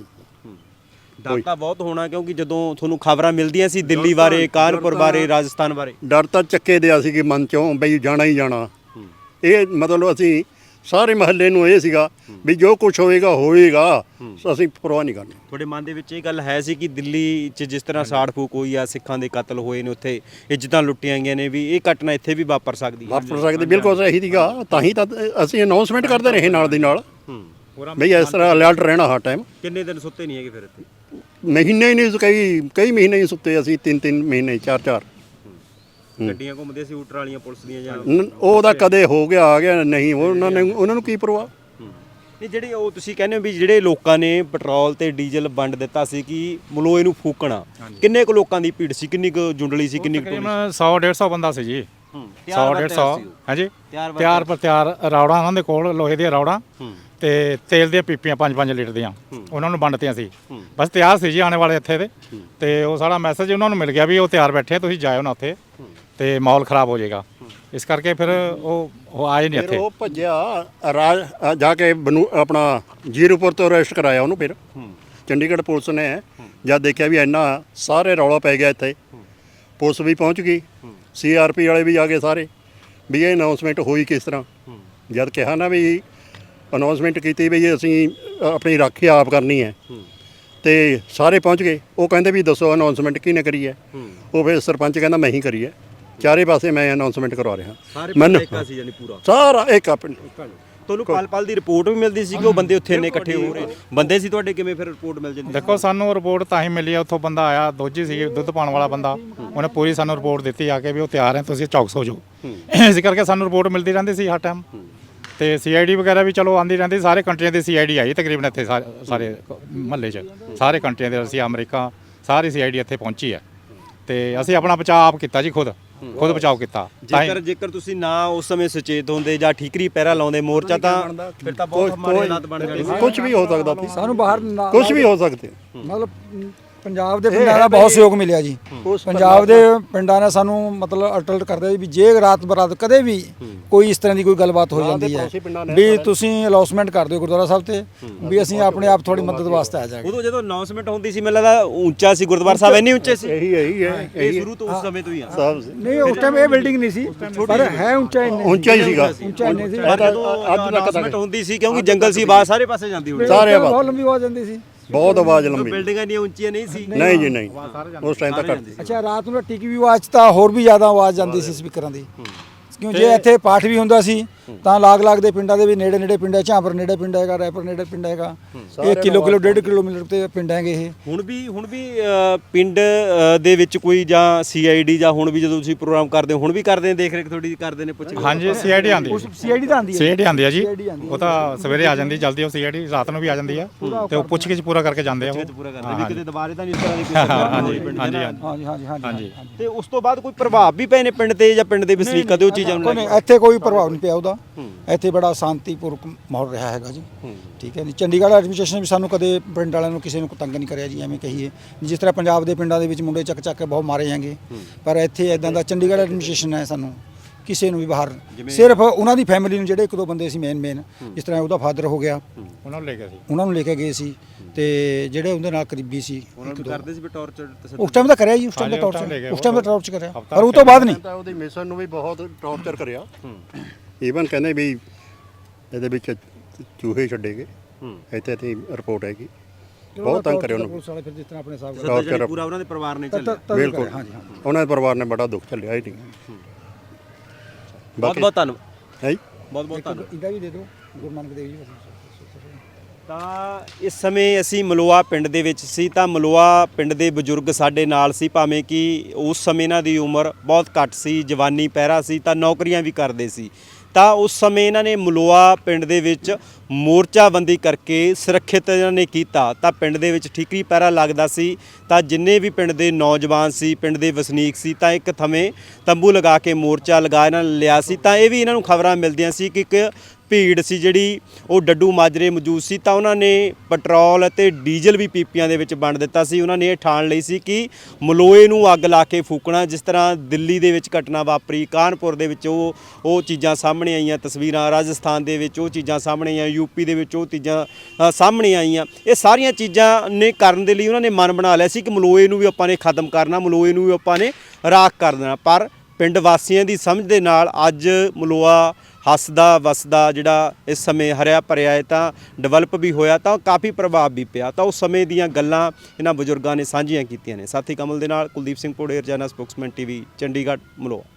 C: ਡਰ ਤਾਂ ਬਹੁਤ ਹੋਣਾ ਕਿਉਂਕਿ ਜਦੋਂ ਤੁਹਾਨੂੰ ਖਬਰਾਂ ਮਿਲਦੀਆਂ ਸੀ ਦਿੱਲੀ ਬਾਰੇ, ਕਾਨਪੁਰ ਬਾਰੇ, ਰਾਜਸਥਾਨ ਬਾਰੇ।
B: ਡਰ ਤਾਂ ਚੱਕੇ ਦਿਆ ਸੀ ਕਿ ਮਨ ਚੋਂ ਬਈ ਜਾਣਾ ਹੀ ਜਾਣਾ। ਇਹ ਮਤਲਬ ਅਸੀਂ ਸਾਰੇ ਮਹੱਲੇ ਨੂੰ ਇਹ ਸੀਗਾ ਵੀ ਜੋ ਕੁਝ ਹੋਏਗਾ ਹੋਏਗਾ, ਅਸੀਂ ਪਰਵਾਹ ਨਹੀਂ ਕਰਨੀ।
C: ਤੁਹਾਡੇ ਮਨ ਦੇ ਵਿੱਚ ਇਹ ਗੱਲ ਹੈ ਸੀ ਕਿ ਦਿੱਲੀ 'ਚ ਜਿਸ ਤਰ੍ਹਾਂ ਸਾੜ ਫੂਕ ਹੋਈ ਆ, ਸਿੱਖਾਂ ਦੇ ਕਤਲ ਹੋਏ ਨੇ, ਉੱਥੇ ਇੱਜ਼ਤਾਂ ਲੁੱਟੀਆਂ ਗਈਆਂ ਨੇ, ਵੀ ਇਹ ਘਟਨਾ ਇੱਥੇ ਵੀ ਵਾਪਰ ਸਕਦੀ ਹੈ?
B: ਵਾਪਰ ਸਕਦੇ, ਬਿਲਕੁਲ ਸਹੀ ਸੀਗਾ। ਤਾਂ ਹੀ ਤਾਂ ਅਸੀਂ ਅਨਾਉਂਸਮੈਂਟ ਕਰਦੇ ਰਹੇ ਨਾਲ ਦੀ ਨਾਲ ਬਈ ਇਸ ਤਰ੍ਹਾਂ ਅਲਰਟ ਰਹਿਣਾ ਹਰ ਟਾਈਮ।
C: ਕਿੰਨੇ ਦਿਨ ਸੁੱਤੇ ਨਹੀਂ ਹੈਗੇ ਫਿਰ ਇੱਥੇ?
B: ਮਹੀਨੇ ਹੀ ਨਹੀਂ, ਕਈ ਕਈ ਮਹੀਨੇ ਹੀ ਸੁੱਤੇ ਅਸੀਂ, ਤਿੰਨ ਤਿੰਨ ਮਹੀਨੇ ਚਾਰ ਚਾਰ।
C: ਗੱਡੀਆਂ ਘੁੰਮਦੀਆਂ ਸੀ ਊਟਰ ਵਾਲੀਆਂ ਪੁਲਿਸ ਦੀਆਂ ਜਾਂ?
B: ਨ- ਉਹਦਾ ਕਦੇ ਹੋ ਗਿਆ ਆ ਗਿਆ, ਨਹੀਂ ਉਹਨਾਂ ਨੇ ਉਹਨਾਂ ਨੂੰ ਕੀ ਪਰਵਾਹ।
C: ਨਹੀਂ, ਜਿਹੜੇ ਉਹ ਤੁਸੀਂ ਕਹਿੰਦੇ ਹੋ ਵੀ ਜਿਹੜੇ ਲੋਕਾਂ ਨੇ ਪੈਟਰੋਲ ਤੇ ਡੀਜ਼ਲ ਵੰਡ ਦਿੱਤਾ ਸੀ ਕਿ ਮਲੋਏ ਨੂੰ ਫੂਕਣਾ, ਕਿੰਨੇ ਕੁ ਲੋਕਾਂ ਦੀ ਭੀੜ ਸੀ, ਕਿੰਨੀ ਕੁ ਜੁੰਡਲੀ ਸੀ, ਕਿੰਨੀ ਕੁ ਟੋਲੀ
A: ਤਕਰੀਬਨ ਸੌ ਡੇਢ ਸੌ ਬੰਦਾ ਸੀ ਜੀ। ਸੌ ਡੇਢ ਸੌ ਹਾਂਜੀ
C: ਤਿਆਰ ਬਰ
A: ਤਿਆਰ ਪਰ ਤਿਆਰ ਰੌੜਾਂ ਉਹਨਾਂ ਦੇ ਕੋਲ, ਲੋਹੇ ਦੀਆਂ ਰੌੜਾਂ ਤੇ ਤੇਲ ਦੀਆਂ ਪੀਪੀਆਂ ਪੰਜ ਪੰਜ ਲੀਟਰ ਦੀਆਂ, ਉਹਨਾਂ ਨੂੰ ਵੰਡਤੀਆਂ ਸੀ। ਬਸ ਤਿਆਰ ਸੀ ਜੀ ਆਉਣੇ ਵਾਲੇ ਇੱਥੇ ਦੇ। ਤੇ ਉਹ ਸਾਡਾ ਮੈਸੇਜ ਉਹਨਾਂ ਨੂੰ ਮਿਲ ਗਿਆ ਵੀ ਉਹ ਤਿਆਰ ਬੈਠੇ, ਤੁਸੀਂ ਜਾਇਓ ਨਾ ਉੱਥੇ ਤੇ ਮਾਹੌਲ ਖਰਾਬ ਹੋ ਜਾਏਗਾ। ਇਸ ਕਰਕੇ ਫਿਰ ਉਹ ਉਹ ਆਏ ਨਹੀਂ
B: ਫਿਰ
A: ਇੱਥੇ।
B: ਉਹ ਭੱਜਿਆ ਰਾਜ ਅ, ਜਾ ਕੇ ਬਨੂ ਆਪਣਾ ਜੀਰੋਪੁਰ ਤੋਂ ਅਰੈਸਟ ਕਰਾਇਆ ਉਹਨੂੰ। ਫਿਰ ਚੰਡੀਗੜ੍ਹ ਪੁਲਿਸ ਨੇ ਜਦ ਦੇਖਿਆ ਵੀ ਇੰਨਾ ਸਾਰੇ ਰੌਲਾ ਪੈ ਗਿਆ ਇੱਥੇ, ਪੁਲਿਸ ਵੀ ਪਹੁੰਚ ਗਈ, ਸੀ ਆਰ ਪੀ ਵਾਲੇ ਵੀ ਆ ਗਏ ਸਾਰੇ, ਵੀ ਇਹ ਅਨਾਉਂਸਮੈਂਟ ਹੋਈ ਕਿਸ ਤਰ੍ਹਾਂ। ਜਦ ਕਿਹਾ ਨਾ ਵੀ ਅਨਾਉਂਸਮੈਂਟ ਕੀਤੀ ਵੀ ਅਸੀਂ ਆਪਣੀ ਰਾਖੀ ਆਪ ਕਰਨੀ ਹੈ, ਤੇ ਸਾਰੇ ਪਹੁੰਚ ਗਏ। ਉਹ ਕਹਿੰਦੇ ਵੀ ਦੱਸੋ ਅਨਾਉਂਸਮੈਂਟ ਕਿਹਨੇ ਕਰੀ ਹੈ? ਉਹ ਫਿਰ ਸਰਪੰਚ ਕਹਿੰਦਾ ਮੈਂ ਹੀ ਕਰੀ ਹੈ, ਚਾਰੇ ਪਾਸੇ ਮੈਂ ਅਨਾਉਂਸਮੈਂਟ ਕਰਵਾ ਰਿਹਾ।
C: ਸਾਰੇ
B: ਮੈਨੂੰ
C: ਪਿੰਡ ਸੀ ਯਾਨੀ ਪੂਰਾ
B: ਸਾਰਾ ਇੱਕ ਪਿੰਡ।
C: ਤੁਹਾਨੂੰ ਪਲ ਪਲ ਦੀ ਰਿਪੋਰਟ ਵੀ ਮਿਲਦੀ ਸੀ ਕਿ ਉਹ ਬੰਦੇ ਉੱਥੇ ਇੰਨੇ ਇਕੱਠੇ ਹੋ ਰਹੇ ਬੰਦੇ ਸੀ ਤੁਹਾਡੇ? ਕਿਵੇਂ ਫਿਰ ਰਿਪੋਰਟ ਮਿਲ ਜਾਂਦੀ?
A: ਦੇਖੋ ਸਾਨੂੰ ਰਿਪੋਰਟ ਤਾਂ ਹੀ ਮਿਲੀ ਆ, ਉੱਥੋਂ ਬੰਦਾ ਆਇਆ, ਦੋਜੀ ਸੀ ਦੁੱਧ ਪਾਉਣ ਵਾਲਾ ਬੰਦਾ, ਉਹਨੇ ਪੂਰੀ ਸਾਨੂੰ ਰਿਪੋਰਟ ਦਿੱਤੀ ਆ ਕੇ ਵੀ ਉਹ ਤਿਆਰ ਹੈ, ਤੁਸੀਂ ਚੌਕਸ ਹੋ ਜਾਓ। ਇਸ ਕਰਕੇ ਸਾਨੂੰ ਰਿਪੋਰਟ ਮਿਲਦੀ ਰਹਿੰਦੀ ਸੀ ਹਰ ਟਾਈਮ। ਤੇ ਸੀ ਆਈ ਡੀ ਵਗੈਰਾ ਵੀ ਚਲੋ ਆਉਂਦੀ ਰਹਿੰਦੀ, ਸਾਰੇ ਕੰਟਰੀਆਂ ਦੀ ਸੀ ਆਈ ਡੀ ਆਈ ਤਕਰੀਬਨ ਇੱਥੇ ਸਾਰੇ ਸਾਰੇ ਮਹੱਲੇ 'ਚ, ਸਾਰੇ ਕੰਟਰੀਆਂ ਦੇ, ਰਸੀਆ, America, sorry C I D ਇੱਥੇ ਪਹੁੰਚੀ ਹੈ। ਤੇ ਅਸੀਂ ਆਪਣਾ ਬਚਾਅ ਆਪ ਕੀਤਾ ਜੀ, ਖੁਦ ਖੁਦ ਬਚਾਓ ਕੀਤਾ। ਤਾਂ ਹੀ-
C: ਜੇਕਰ ਜੇਕਰ ਤੁਸੀਂ ਨਾ ਉਸ ਸਮੇਂ ਸੁਚੇਤ ਹੁੰਦੇ ਜਾਂ ਠੀਕਰੀ ਪਹਿਰਾ ਲਾਉਂਦੇ ਮੋਰਚਾ, ਤਾਂ ਫਿਰ ਤਾਂ ਬਹੁਤ ਮਾੜੇ ਹਾਲਾਤ ਬਣ ਜਾਣੇ ਸੀ।
B: ਕੁਝ ਵੀ ਹੋ ਸਕਦਾ ਸੀ,
D: ਸਾਨੂੰ ਬਾਹਰ ਨਾ-
B: ਕੁਝ ਵੀ ਹੋ ਸਕਦੇ।
D: ਮਤਲਬ ਪੰਜਾਬ ਦੇ ਪਿੰਡਾਂ ਦਾ ਬਹੁਤ ਸਹਿਯੋਗ ਮਿਲਿਆ ਜੀ। ਪੰਜਾਬ ਦੇ ਪਿੰਡਾਂ ਨੇ ਸਾਨੂੰ ਮਤਲਬ ਅਲਰਟ ਕਰਦੇ ਜੀ ਵੀ ਜੇ ਰਾਤ ਬਰਾਤ ਕਦੇ ਵੀ ਕੋਈ ਇਸ ਤਰ੍ਹਾਂ ਦੀ ਕੋਈ ਗੱਲਬਾਤ ਹੋ ਜਾਂਦੀ ਹੈ ਵੀ ਤੁਸੀਂ ਅਨਾਉਂਸਮੈਂਟ ਕਰ ਦਿਓ ਗੁਰਦੁਆਰਾ ਸਾਹਿਬ ਤੇ, ਵੀ ਅਸੀਂ ਆਪਣੇ ਆਪ ਤੁਹਾਡੀ ਮਦਦ ਵਾਸਤੇ ਆ ਜਾਵਾਂਗੇ।
C: ਉਦੋਂ ਜਦੋਂ ਅਨਾਉਂਸਮੈਂਟ ਹੁੰਦੀ ਸੀ ਮੈਨੂੰ ਲੱਗਦਾ ਉੱਚਾ ਸੀ ਗੁਰਦੁਆਰਾ ਸਾਹਿਬ, ਇੰਨੇ ਉੱਚੇ ਸੀ?
B: ਇਹੀ ਇਹੀ ਹੈ,
C: ਇਹ ਸ਼ੁਰੂ ਤੋਂ ਉਸ ਸਮੇਂ ਤੋਂ ਹੀ ਆ।
B: ਸਭ
D: ਨਹੀਂ ਉਸ ਟਾਈਮ ਇਹ ਬਿਲਡਿੰਗ ਨਹੀਂ ਸੀ, ਪਰ ਹੈ ਉੱਚਾ ਇੰਨੇ
B: ਉੱਚਾ ਹੀ ਸੀਗਾ।
D: ਉੱਚਾ ਇੰਨੇ ਸੀ।
C: ਪਰ ਜਦੋਂ ਅਨਾਉਂਸਮੈਂਟ ਹੁੰਦੀ ਸੀ ਕਿਉਂਕਿ ਜੰਗਲ ਸੀ, ਆਵਾਜ਼ ਸਾਰੇ ਪਾਸੇ ਜਾਂਦੀ ਹੋਣੀ।
B: ਸਾਰੇ ਆਵਾਜ਼।
D: ਬਹੁਤ ਲੰਬੀ ਆਵਾਜ਼ ਜਾਂਦੀ ਸੀ।
B: ਬਹੁਤ ਆਵਾਜ਼ ਲੰਬੀ।
C: ਬਿਲਡਿੰਗਾਂ ਇੰਨੀਆਂ ਉੱਚੀਆਂ ਨਹੀਂ ਸੀ।
B: ਨਹੀਂ ਜੀ ਨਹੀਂ, ਉਸ ਟਾਈਮ ਤੱਕ
D: ਅੱਛਾ, ਰਾਤ ਨੂੰ ਟੀਕੀ ਵੀ ਆਵਾਜ਼ ਤਾਂ ਹੋਰ ਵੀ ਜ਼ਿਆਦਾ ਆਵਾਜ਼ ਜਾਂਦੀ ਸੀ ਸਪੀਕਰਾਂ ਦੀ, ਕਿਉਂ ਜੇ ਇੱਥੇ ਪਾਠ ਵੀ ਹੁੰਦਾ ਸੀ ਤਾਂ ਲਾਗ-ਲਾਗ ਦੇ ਪਿੰਡਾਂ ਦੇ ਵੀ ਨੇੜੇ ਨੇੜੇ ਪਿੰਡ ਹੈ, ਝਾਂਪਰ ਨੇੜੇ ਪਿੰਡ ਹੈਗਾ, ਰੈਪਰ ਨੇੜੇ ਪਿੰਡ ਹੈਗਾ, ਇਹ ਕਿਲੋ ਕਿਲੋ ਡੇਢ ਕਿਲੋਮੀਟਰ ਤੇ ਪਿੰਡ ਹੈਗੇ ਇਹ।
C: ਹੁਣ ਵੀ ਹੁਣ ਵੀ ਅ, ਪਿੰਡ ਅ, ਦੇ ਵਿੱਚ ਕੋਈ ਜਾਂ ਸੀ ਆਈ ਡੀ ਜਾਂ ਹੁਣ ਵੀ ਜਦੋਂ ਤੁਸੀਂ ਪ੍ਰੋਗਰਾਮ ਕਰਦੇ ਹੋ ਹੁਣ ਵੀ ਕਰਦੇ ਨੇ, ਦੇਖ ਰੇਖ ਥੋੜੀ ਕਰਦੇ ਨੇ, ਪੁੱਛ
A: ਹਾਂਜੀ ਸੀਆਈਡੀ ਆਉਂਦੀ ਹੈ,
D: ਸੀਆਈਡੀ ਤਾਂ ਆਉਂਦੀ ਹੈ,
A: ਸੀਆਈਡੀ ਆਉਂਦੀ ਹੈ ਜੀ,
D: CID ਆਉਂਦੀ ਹੈ।
A: ਉਹ ਤਾਂ ਸਵੇਰੇ ਆ ਜਾਂਦੀ ਜਲਦੀ, ਉਹ ਸੀਆਈਡੀ ਰਾਤ ਨੂੰ ਵੀ ਆ ਜਾਂਦੀ ਆ ਤੇ ਉਹ ਪੁੱਛ ਕੇ ਪੂਰਾ ਕਰਕੇ ਜਾਂਦੇ ਆ ਉਹ।
C: ਪੂਰਾ ਕਰਦੇ ਵੀ ਕਿਤੇ ਦੁਬਾਰੇ ਤਾਂ ਨਹੀਂ ਇਸ ਤਰ੍ਹਾਂ ਦੀ ਕੋਈ ਘਟਨਾ ਹੋਈ ਪਿੰਡ ਦੇ
A: ਹਾਂਜੀ
C: ਨਾਲ।
D: ਹਾਂਜੀ ਹਾਂਜੀ ਹਾਂਜੀ
A: ਹਾਂਜੀ।
C: ਤੇ ਉਸ ਤੋਂ ਬਾਅਦ ਕੋਈ ਪ੍ਰਭਾਵ ਵੀ ਪਏ ਨੇ ਪਿੰਡ ਤੇ ਜਾਂ ਪਿੰਡ ਦੇ ਵਸਨੀਕਾਂ ਤੇ ਉਹ ਚੀਜ਼ਾਂ ਨੂੰ
D: ਕੋਈ
C: ਲੈ
D: ਨਹੀਂ,
C: ਕੇ?
D: ਇੱਥੇ ਕੋਈ ਪ੍ਰਭਾਵ ਨਹੀਂ ਪਿਆ ਉਹਦਾ, ਇੱਥੇ ਬੜਾ ਸ਼ਾਂਤੀਪੂਰਵਕ ਮਾਹੌਲ ਰਿਹਾ ਹੈਗਾ ਜੀ, ਠੀਕ ਹੈ ਜੀ। ਚੰਡੀਗੜ੍ਹ ਐਡਮਿਨਿਸਟ੍ਰੇਸ਼ਨ ਵੀ ਸਾਨੂੰ ਕਦੇ ਪਿੰਡ ਵਾਲਿਆਂ ਨੂੰ ਕਿਸੇ ਨੂੰ ਤੰਗ ਨਹੀਂ ਕਰਿਆ ਜੀ, ਐਵੇਂ ਕਹੀਏ ਜਿਸ ਤਰ੍ਹਾਂ ਪੰਜਾਬ ਦੇ ਪਿੰਡਾਂ ਦੇ ਵਿੱਚ ਮੁੰਡੇ ਚੱਕ ਚੱਕ ਕੇ ਬਹੁਤ ਮਾਰੇ ਜਾਂਗੇ, ਪਰ ਇੱਥੇ ਇਦਾਂ ਦਾ ਚੰਡੀਗੜ੍ਹ ਐਡਮਿਨਿਸਟ੍ਰੇਸ਼ਨ ਹੈ, ਸਾਨੂੰ ਕਿਸੇ ਨੂੰ ਵੀ ਬਾਹਰ, ਸਿਰਫ ਉਹਨਾਂ ਦੀ ਫੈਮਿਲੀ ਨੂੰ ਜਿਹੜੇ ਇੱਕ ਦੋ ਬੰਦੇ ਸੀ ਮੇਨ ਮੇਨ, ਜਿਸ ਤਰ੍ਹਾਂ ਉਹਦਾ ਫਾਦਰ ਹੋ ਗਿਆ,
A: ਉਹਨਾਂ ਨੂੰ ਲੈ ਕੇ ਸੀ
D: ਉਹਨਾਂ ਨੂੰ ਲੈ ਕੇ ਗਏ ਸੀ, ਤੇ ਜਿਹੜੇ ਉਹਦੇ ਨਾਲ ਕਰੀਬੀ ਸੀ
C: ਉਹਨਾਂ ਨੂੰ ਕਰਦੇ ਸੀ ਵੀ ਟੌਰਚਰ
D: ਉਸ ਟਾਈਮ ਤਾਂ ਕਰਿਆ ਜੀ, ਉਸ ਟਾਈਮ ਤਾਂ
A: ਹਾਂਜੀ, ਉਸ time ਲੈ
D: ਟੌਰਚਰ
A: ਗਏ,
D: ਉਸ ਟਾਈਮ ਤਾਂ ਟੌਰਚਰ ਕਰਿਆ,
A: ਹਫ਼ਤਾ
D: ਪਰ ਉਹ ਤੋਂ ਬਾਅਦ ਨਹੀਂ।
B: ਤਾਂ ਉਹਦੀ ਮਿਸ਼ਨ ਨੂੰ ਵੀ ਬਹੁਤ ਟੌਰਚਰ ਕਰਿਆ, ਈਵਨ ਕਹਿੰਦੇ ਵੀ ਇਹਦੇ ਵਿੱਚ ਚੂਹੇ ਛੱਡੇਗੇ, ਇੱਥੇ ਤੇ ਰਿਪੋਰਟ ਹੈਗੀ, ਬਹੁਤ ਤੰਗ ਕਰਿਆ ਉਹਨੂੰ,
D: ਪੁਲਿਸ ਵਾਲੇ ਫਿਰ ਜਿਸ ਤਰ੍ਹਾਂ ਆਪਣੇ ਹਿਸਾਬ
C: ਸੱਤਾ ਜਿਹੜੀ ਪੂਰਾ ਉਹਨਾਂ ਦੇ ਪਰਿਵਾਰ ਨੇ ਚੱਲਿਆ।
B: ਬਿਲਕੁਲ
D: ਹਾਂਜੀ ਹਾਂਜੀ।
B: ਉਹਨਾਂ ਦੇ ਪਰਿਵਾਰ ਨੇ ਬੜਾ ਦੁੱਖ ਝੱਲਿਆ ਹੀ ਨਹੀਂ।
C: ਬਹੁਤ ਬਹੁਤ ਧੰਨਵਾਦ,
B: ਹੈ ਜੀ।
C: ਬਹੁਤ ਬਹੁਤ ਧੰਨਵਾਦ।
D: ਇਹਦਾ ਵੀ ਦੇ ਦਿਓ ਗੁਰੂ ਨਾਨਕ ਦੇਵ ਜੀ।
C: ਤਾਂ ਇਸ ਸਮੇਂ ਅਸੀਂ ਮਲੋਆ ਪਿੰਡ ਦੇ ਵਿੱਚ ਸੀ, ਤਾਂ ਮਲੋਆ ਪਿੰਡ ਦੇ ਬਜ਼ੁਰਗ ਸਾਡੇ ਨਾਲ ਸੀ, ਭਾਵੇਂ ਕਿ ਉਸ ਸਮੇਂ ਇਹਨਾਂ ਦੀ ਉਮਰ ਬਹੁਤ ਘੱਟ ਸੀ, ਜਵਾਨੀ ਪਹਿਰਾ ਸੀ, ਤਾਂ ਨੌਕਰੀਆਂ ਵੀ ਕਰਦੇ ਸੀ। ਤਾਂ ਉਸ ਸਮੇਂ ਇਹਨਾਂ ਨੇ ਮਲੋਆ ਪਿੰਡ ਦੇ ਵਿੱਚ ਮੋਰਚਾਬੰਦੀ ਕਰਕੇ ਸੁਰੱਖਿਅਤ ਇਹਨਾਂ ਨੇ ਕੀਤਾ, ਤਾਂ ਪਿੰਡ ਦੇ ਵਿੱਚ ਠੀਕਰੀ ਪਹਿਰਾ ਲੱਗਦਾ ਸੀ, ਤਾਂ ਜਿੰਨੇ ਵੀ ਪਿੰਡ ਦੇ ਨੌਜਵਾਨ ਸੀ, ਪਿੰਡ ਦੇ ਵਸਨੀਕ ਸੀ, ਤਾਂ ਇੱਕ ਥਵੇਂ ਤੰਬੂ ਲਗਾ ਕੇ ਮੋਰਚਾ ਲਗਾ ਇਹਨਾਂ ਨੇ ਲਿਆ ਸੀ। ਤਾਂ ਇਹ ਵੀ ਇਹਨਾਂ ਨੂੰ ਖਬਰਾਂ ਮਿਲਦੀਆਂ ਸੀ ਕਿ ਇੱਕ ਭੀੜ ਸੀ ਜਿਹੜੀ ਉਹ ਡੱਡੂ ਮਾਜਰੇ ਮੌਜੂਦ ਸੀ, ਤਾਂ ਉਹਨਾਂ ਨੇ ਪੈਟਰੋਲ ਅਤੇ ਡੀਜ਼ਲ ਵੀ ਪੀਪੀਆਂ ਦੇ ਵਿੱਚ ਵੰਡ ਦਿੱਤਾ ਸੀ। ਉਹਨਾਂ ਨੇ ਇਹ ਠਾਣ ਲਈ ਸੀ ਕਿ ਮਲੋਏ ਨੂੰ ਅੱਗ ਲਾ ਕੇ ਫੂਕਣਾ, ਜਿਸ ਤਰ੍ਹਾਂ ਦਿੱਲੀ ਦੇ ਵਿੱਚ ਘਟਨਾ ਵਾਪਰੀ, ਕਾਨਪੁਰ ਦੇ ਵਿੱਚ ਉਹ ਉਹ ਚੀਜ਼ਾਂ ਸਾਹਮਣੇ ਆਈਆਂ ਤਸਵੀਰਾਂ, ਰਾਜਸਥਾਨ ਦੇ ਵਿੱਚ ਉਹ ਚੀਜ਼ਾਂ ਸਾਹਮਣੇ ਆਈਆਂ, ਯੂਪੀ ਦੇ ਵਿੱਚ ਉਹ ਚੀਜ਼ਾਂ ਅ, ਸਾਹਮਣੇ ਆਈਆਂ। ਇਹ ਸਾਰੀਆਂ ਚੀਜ਼ਾਂ ਨੇ ਕਰਨ ਦੇ ਲਈ ਉਹਨਾਂ ਨੇ ਮਨ ਬਣਾ ਲਿਆ ਸੀ ਕਿ ਮਲੋਏ ਨੂੰ ਵੀ ਆਪਾਂ ਨੇ ਖਤਮ ਕਰਨਾ, ਮਲੋਏ ਨੂੰ ਵੀ ਆਪਾਂ ਨੇ ਰਾਖ ਕਰ ਦੇਣਾ। ਪਰ ਪਿੰਡ ਵਾਸੀਆਂ ਦੀ ਸਮਝ ਦੇ ਨਾਲ ਅੱਜ ਮਲੋਆ ਹੱਸਦਾ ਵਸਦਾ ਜਿਹੜਾ ਇਸ ਸਮੇਂ ਹਰਿਆ ਭਰਿਆ ਹੈ, ਤਾਂ ਡਿਵੈਲਪ ਵੀ ਹੋਇਆ, ਤਾਂ ਕਾਫੀ ਪ੍ਰਭਾਵ ਵੀ ਪਿਆ। ਤਾਂ ਉਸ ਸਮੇਂ ਦੀਆਂ ਗੱਲਾਂ ਇਹਨਾਂ ਬਜ਼ੁਰਗਾਂ ਨੇ ਸਾਂਝੀਆਂ ਕੀਤੀਆਂ ਨੇ। ਸਾਥੀ ਕਮਲ ਦੇ ਨਾਲ ਕੁਲਦੀਪ ਸਿੰਘ ਪੋੜੇ, ਰੋਜ਼ਾਨਾ ਸਪੋਕਸਮੈਨ ਟੀਵੀ, ਚੰਡੀਗੜ੍ਹ, ਮਲੋਆ।